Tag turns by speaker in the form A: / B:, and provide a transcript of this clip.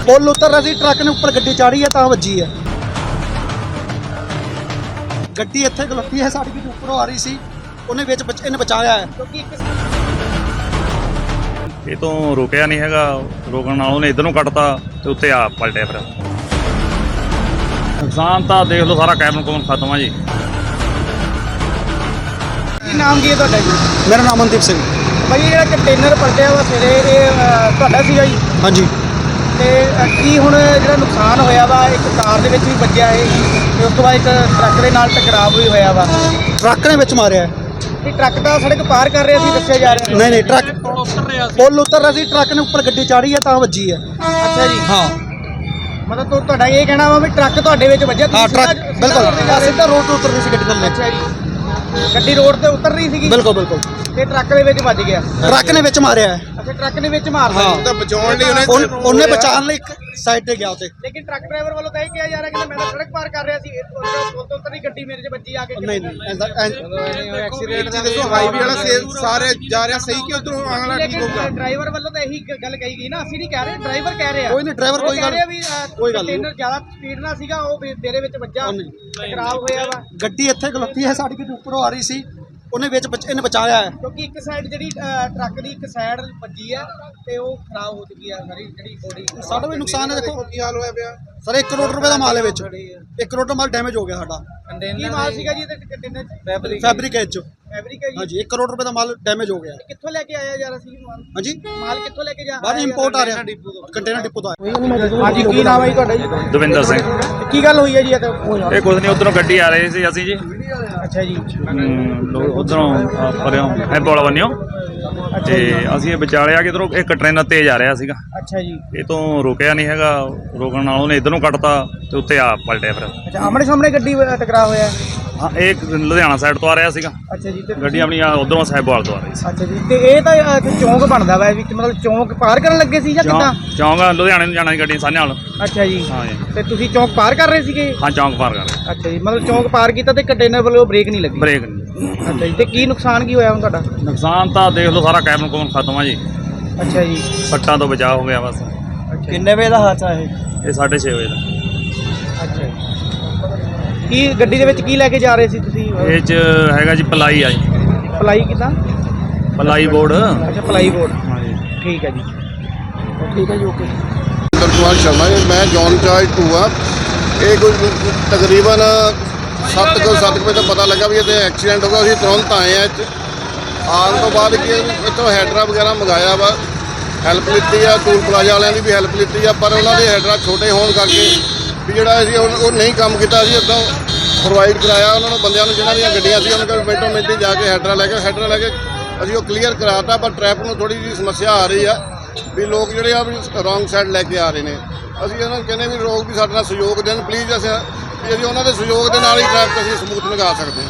A: ਪੁੱਲ ਉਤਰ ਰਿਹਾ ਸੀ, ਟਰੱਕ ਨੇ ਉੱਪਰ ਗੱਡੀ ਚਾੜੀ ਹੈ ਤਾਂ ਵੱਜੀ ਹੈ। ਗੱਡੀ ਇੱਥੇ ਖਲੋਤੀ ਹੈ, ਸਾਡੀ ਗੱਡੀ ਉੱਪਰੋਂ ਆ ਰਹੀ ਸੀ, ਉਹਨੇ ਵਿੱਚ ਇਹਨੇ ਬਚਾਇਆ ਹੈ ਕਿਉਂਕਿ
B: ਇਹ ਤੋਂ ਰੁਕਿਆ ਨਹੀਂ ਹੈਗਾ, ਰੋਕਣ ਨਾਲ ਉਹਨੇ ਇੱਧਰ ਨੂੰ ਕੱਟਤਾ ਤੇ ਉੱਤੇ ਆ ਪਲਟਿਆ। ਫਿਰ ਨੁਕਸਾਨ ਤਾਂ ਦੇਖ ਲਓ, ਸਾਰਾ ਕੈਬਨ ਕੋਲ ਖਤਮ ਆ ਜੀ।
C: ਕੀ ਨਾਮ ਕੀ ਹੈ ਤੁਹਾਡਾ ਜੀ?
A: ਮੇਰਾ ਨਾਮ ਮਨਦੀਪ ਸਿੰਘ।
C: ਭਾਈ ਜਿਹੜਾ ਕੰਟੇਨਰ ਪਲਟਿਆ ਵਾ ਸਵੇਰੇ, ਇਹ ਤੁਹਾਡਾ ਸੀਗਾ ਜੀ?
A: ਹਾਂਜੀ।
C: ਤੇ ਕੀ ਹੁਣ ਜਿਹੜਾ ਨੁਕਸਾਨ ਹੋਇਆ ਵਾ, ਇੱਕ ਕਾਰ ਦੇ ਵਿੱਚ ਵੀ ਵੱਜਿਆ ਇਹ, ਤੇ ਉਸ ਤੋਂ ਬਾਅਦ ਇੱਕ ਟਰੱਕ ਦੇ ਨਾਲ ਟਕਰਾਅ ਵੀ ਹੋਇਆ ਵਾ।
A: ਟਰੱਕ ਨੇ ਵਿੱਚ ਮਾਰਿਆ ਹੈ।
C: ਇਹ ਟਰੱਕ ਤਾਂ ਸੜਕ ਪਾਰ ਕਰ ਰਿਹਾ ਸੀ ਦੱਸਿਆ ਜਾ ਰਿਹਾ।
A: ਨਹੀਂ ਟਰੱਕ ਪੁੱਲ ਉਤਰ ਰਿਹਾ ਸੀ, ਟਰੱਕ ਨੇ ਉੱਪਰ ਗੱਡੀ ਚਾੜੀ ਹੈ ਤਾਂ ਵੱਜੀ ਹੈ।
C: ਅੱਛਾ ਜੀ।
A: ਹਾਂ,
C: ਮਤਲਬ ਤੁਹਾਡਾ ਇਹ ਕਹਿਣਾ ਵਾ ਵੀ ਟਰੱਕ ਤੁਹਾਡੇ ਵਿੱਚ ਵੱਜਿਆ?
A: ਹਾਂ ਟਰੱਕ ਬਿਲਕੁਲ ਸਿੱਧਾ ਰੋਡ ਤੋਂ ਉਤਰ ਰਹੀ ਸੀ ਗੱਡੀ ਥੱਲੇ।
C: ਅੱਛਾ ਜੀ, ਗੱਡੀ ਰੋਡ ਤੇ ਉਤਰ ਰਹੀ ਸੀਗੀ
A: ਬਿਲਕੁਲ
C: ਤੇ ਟਰੱਕ ਦੇ ਵਿੱਚ ਵੱਜ ਗਿਆ।
A: ਟਰੱਕ ਨੇ ਵਿੱਚ ਮਾਰਿਆ ਹੈ।
C: ਅੱਛਾ, ਟਰੱਕ ਨੇ ਵਿੱਚ ਮਾਰਤਾ
A: ਹਾਂ।
C: ਜੀ।
D: ਤਾਂ ਬਚਾਉਣ ਲਈ
A: ਉਹਨੇ ਬਚਾਉਣ ਲਈ ਇੱਕ ਸਾਈਡ ਤੇ ਗਿਆ ਉੱਤੇ।
C: ਲੇਕਿਨ ਟਰੱਕ ਡਰਾਈਵਰ ਵੱਲੋਂ ਤਾਂ ਇਹ ਕਿਹਾ ਜਾ ਰਿਹਾ ਕਿ ਮੈਂ ਤਾਂ ਸੜਕ ਪਾਰ ਕਰ ਰਿਹਾ ਸੀ, ਉਤਰੀ ਗੱਡੀ ਮੇਰੇ 'ਚ ਵੱਜੀ ਆ ਕੇ।
A: ਨਹੀਂ
C: ਐਕਸੀਡੈਂਟ ਦਾ
D: ਦੱਸੋ, ਹਾਈਵੇ ਵਾਲਾ ਸਾਰੇ ਜਾ ਰਿਹਾ ਸਹੀ ਕਿ ਉਧਰੋਂ ਆਉਣ ਵਾਲਾ ਠੀਕ ਹੋਊਗਾ?
C: ਡਰਾਈਵਰ ਵੱਲੋਂ ਤਾਂ ਇਹੀ ਗੱਲ ਕਹੀ ਗਈ ਨਾ, ਅਸੀਂ ਨਹੀਂ ਕਹਿ ਰਹੇ, ਡਰਾਈਵਰ ਕਹਿ ਰਿਹਾ।
A: ਕੋਈ ਨਹੀਂ, ਡਰਾਈਵਰ ਕੋਈ ਗੱਲ
C: ਵੀ
A: ਕੋਈ ਗੱਲ ਨਹੀਂ।
C: ਕੰਟੇਨਰ ਜ਼ਿਆਦਾ ਸਪੀਡ ਨਾਲ ਸੀਗਾ, ਉਹ ਮੇਰੇ ਵਿੱਚ ਵੱਜਾ, ਖਰਾਬ ਹੋਇਆ ਵਾ।
A: ਗੱਡੀ ਇੱਥੇ ਖਲੋਤੀ ਹੈ, ਸਾਡੀ ਗੱਡੀ ਉੱਪਰੋਂ ਆ ਰਹੀ ਸੀ, ਉਹਨੇ ਵਿੱਚ ਇਹਨੇ ਬਚਾਇਆ ਹੈ
C: ਕਿਉਂਕਿ ਇੱਕ ਸਾਈਡ ਜਿਹੜੀ ਟਰੱਕ ਦੀ ਇੱਕ ਸਾਈਡ ਵੱਜੀ ਆ ਤੇ ਉਹ ਖਰਾਬ ਹੋ ਚੁੱਕੀ ਆ ਸਾਰੀ ਜਿਹੜੀ ਬੋਡੀ।
A: ਸਾਡਾ ਵੀ ਨੁਕਸਾਨ ਹੈ। ਦੇਖੋ
D: ਕੀ ਹਾਲ ਹੋਇਆ ਪਿਆ
A: ਸਰ, 1 ਕਰੋੜ ਰੁਪਏ ਦਾ ਮਾਲ ਹੈ ਵਿੱਚ, 1 ਕਰੋੜ ਦਾ ਮਾਲ ਡੈਮੇਜ ਹੋ ਗਿਆ ਸਾਡਾ।
C: ਕੀ ਮਾਲ ਸੀਗਾ ਜੀ ਇਹਦੇ ਕੰਟੇਨਰ 'ਚ?
A: ਫੈਬਰਿਕ ਚ।
C: ਫੈਬਰਿਕ ਹੈ ਜੀ।
A: ਹਾਂਜੀ, 1 ਕਰੋੜ ਰੁਪਏ ਦਾ ਮਾਲ ਡੈਮੇਜ ਹੋ ਗਿਆ।
C: ਕਿੱਥੋਂ ਲੈ ਕੇ ਆਇਆ ਜਾ ਰਿਹਾ ਸੀ ਮਾਲ?
A: ਹਾਂਜੀ,
C: ਮਾਲ ਕਿੱਥੋਂ ਲੈ ਕੇ ਜਾ
A: ਬਾਹਰ ਇੰਪੋਰਟ ਆ ਰਿਹਾ, ਕੰਟੇਨਰ ਡਿਪੋ ਤੋਂ ਆਇਆ।
C: ਹਾਂਜੀ, ਕੀ ਨਾਮ ਹੈ ਜੀ ਤੁਹਾਡਾ ਜੀ?
B: ਦਵਿੰਦਰ ਸਿੰਘ।
C: ਕੀ ਗੱਲ ਹੋਈ ਹੈ ਜੀ?
B: ਇਹ ਕੁਝ ਨਹੀਂ, ਉਧਰੋਂ ਗੱਡੀ ਆ ਰਹੀ ਸੀ, ਅਸੀਂ ਜੀ
C: ਅੱਛਾ ਜੀ।
B: ਉਧਰੋਂ ਪਰਿਓਂ ਹੈਬੋਲਾ ਬੰਨਿਓ, ਤੇ ਅਸੀਂ ਇਹ ਵਿਚਾਲਿਆ ਕਿ ਇੱਧਰੋਂ ਇੱਕ ਟ੍ਰੇਨ ਤੇਜ਼ ਆ ਰਿਹਾ ਸੀਗਾ।
C: ਅੱਛਾ ਜੀ।
B: ਇਹ ਤੋਂ ਰੁਕਿਆ ਨਹੀਂ ਹੈਗਾ, ਰੋਕਣ ਨਾਲ ਉਹਨੇ ਇੱਧਰ ਨੂੰ ਕੱਟਤਾ ਤੇ ਉੱਤੇ ਆ ਪਲਟਿਆ। ਫਿਰ
C: ਅੱਛਾ, ਆਮਣੇ ਸਾਹਮਣੇ ਗੱਡੀ ਟਕਰਾ ਹੋਇਆ?
B: ਹਾਂ, ਇਹ ਲੁਧਿਆਣਾ ਸਾਈਡ ਤੋਂ ਆ ਰਿਹਾ ਸੀਗਾ,
C: ਅੱਛਾ ਜੀ। ਤੇ
B: ਗੱਡੀ ਆਪਣੀ ਉਧਰੋਂ ਸਾਹਿਬਵਾਲ ਤੋਂ ਆ ਰਹੀ ਸੀ।
C: ਅੱਛਾ ਜੀ, ਤੇ ਇਹ ਤਾਂ ਇੱਥੇ ਚੌਂਕ ਬਣਦਾ ਵਾ ਵਿੱਚ, ਮਤਲਬ ਚੌਂਕ ਪਾਰ ਕਰਨ ਲੱਗੇ ਸੀ ਜਾਂ ਕਿੱਦਾਂ?
B: ਚੌਂਕ ਲੁਧਿਆਣੇ ਨੂੰ ਜਾਣਾ ਸੀ ਗੱਡੀ ਸਾਨੇ ਨਾਲ।
C: ਅੱਛਾ ਜੀ।
B: ਹਾਂ ਜੀ।
C: ਤੇ ਤੁਸੀਂ ਚੌਂਕ ਪਾਰ ਕਰ ਰਹੇ ਸੀਗੇ?
B: ਹਾਂ, ਚੌਂਕ ਪਾਰ ਕਰ ਰਹੇ।
C: ਅੱਛਾ ਜੀ, ਮਤਲਬ ਚੌਂਕ ਪਾਰ ਕੀਤਾ ਤੇ ਕੰਟੇਨਰ ਵੱਲੋਂ ਬ੍ਰੇਕ ਨਹੀਂ ਲੱਗੀ?
B: ਬ੍ਰੇਕ ਨਹੀਂ।
C: ਅੱਛਾ ਜੀ, ਤੇ ਕੀ ਨੁਕਸਾਨ ਕੀ ਹੋਇਆ ਹੁਣ ਤੁਹਾਡਾ?
B: ਨੁਕਸਾਨ ਤਾਂ ਦੇਖ ਲਓ, ਸਾਰਾ ਕੈਬਨ ਕੋਲ ਖਤਮ ਆ ਜੀ।
C: ਅੱਛਾ ਜੀ।
B: ਸੱਟਾਂ ਤੋਂ ਬਚਾਅ ਹੋ ਗਿਆ ਬਸ।
C: ਕਿੰਨੇ ਵਜੇ ਦਾ ਹਾਦਸਾ ਇਹ?
B: ਇਹ 6:30 ਵਜੇ ਦਾ।
C: ਅੱਛਾ। ਕੀ ਗੱਡੀ ਦੇ ਵਿੱਚ ਕੀ ਲੈ ਕੇ ਜਾ ਰਹੇ ਸੀ ਤੁਸੀਂ?
B: ਇਹ 'ਚ ਹੈਗਾ ਜੀ ਪਲਾਈ ਆ ਜੀ,
C: ਪਲਾਈ ਕਿੱਦਾਂ?
B: Ply board.
C: ਅੱਛਾ, ਪਲਾਈ ਬੋਰਡ।
B: ਹਾਂ ਜੀ।
C: ਠੀਕ ਹੈ ਜੀ। ਠੀਕ ਹੈ ਜੀ, ਓਕੇ।
D: ਸੁੰਦਰ ਕੁਮਾਰ ਸ਼ਰਮਾ ਜੀ, ਮੈਂ ਜੌਨ ਚਾਰਜ 2 ਆ। ਇਹ ਕੋਈ ਤਕਰੀਬਨ 7 ਵਜੇ ਦਾ ਪਤਾ ਲੱਗਾ ਵੀ ਇਹਦੇ ਐਕਸੀਡੈਂਟ ਹੋ ਗਿਆ। ਅਸੀਂ ਤੁਰੰਤ ਆਏ ਆ। ਆਉਣ ਤੋਂ ਬਾਅਦ ਕੀ ਇੱਥੋਂ ਹੈਡਰਾ ਵਗੈਰਾ ਮੰਗਾਇਆ ਵਾ, ਹੈਲਪ ਲਿੱਤੀ ਆ, ਟੂਲ ਪਲਾਜ਼ਾ ਵਾਲਿਆਂ ਦੀ ਵੀ ਹੈਲਪ ਲਿੱਤੀ ਆ, ਪਰ ਉਹਨਾਂ ਦੇ ਹੈਡਰਾ ਛੋਟੇ ਹੋਣ ਕਰਕੇ ਵੀ ਜਿਹੜਾ ਅਸੀਂ ਉਹ ਨਹੀਂ ਕੰਮ ਕੀਤਾ। ਅਸੀਂ ਇੱਦਾਂ ਪ੍ਰੋਵਾਈਡ ਕਰਾਇਆ ਉਹਨਾਂ ਨੂੰ, ਬੰਦਿਆਂ ਨੂੰ ਜਿਹਨਾਂ ਦੀਆਂ ਗੱਡੀਆਂ ਸੀ ਉਹਨਾਂ ਕੋਲ ਮਿੰਟੋ ਮਿੰਟੀ ਜਾ ਕੇ ਹੈਡਰਾ ਲੈ ਕੇ ਅਸੀਂ ਉਹ ਕਲੀਅਰ ਕਰਾਤਾ। ਪਰ ਟ੍ਰੈਫਿਕ ਨੂੰ ਥੋੜੀ ਜਿਹੀ ਸਮੱਸਿਆ ਆ ਰਹੀ ਆ ਵੀ ਲੋਕ ਜਿਹੜੇ ਆ ਵੀ ਰੌਂਗ ਸਾਈਡ ਲੈ ਕੇ ਆ ਰਹੇ ਨੇ। ਅਸੀਂ ਇਹਨਾਂ ਨੂੰ ਕਹਿੰਦੇ ਵੀ ਲੋਕ ਵੀ ਸਾਡੇ ਨਾਲ ਸਹਿਯੋਗ ਦੇਣ ਪਲੀਜ਼। ਅਸੀਂ ਉਹਨਾਂ ਦੇ ਸਹਿਯੋਗ ਦੇ ਨਾਲ ਹੀ ਟ੍ਰੈਫਿਕ ਅਸੀਂ ਸਮੂਥ ਲਗਾ ਸਕਦੇ ਹਾਂ।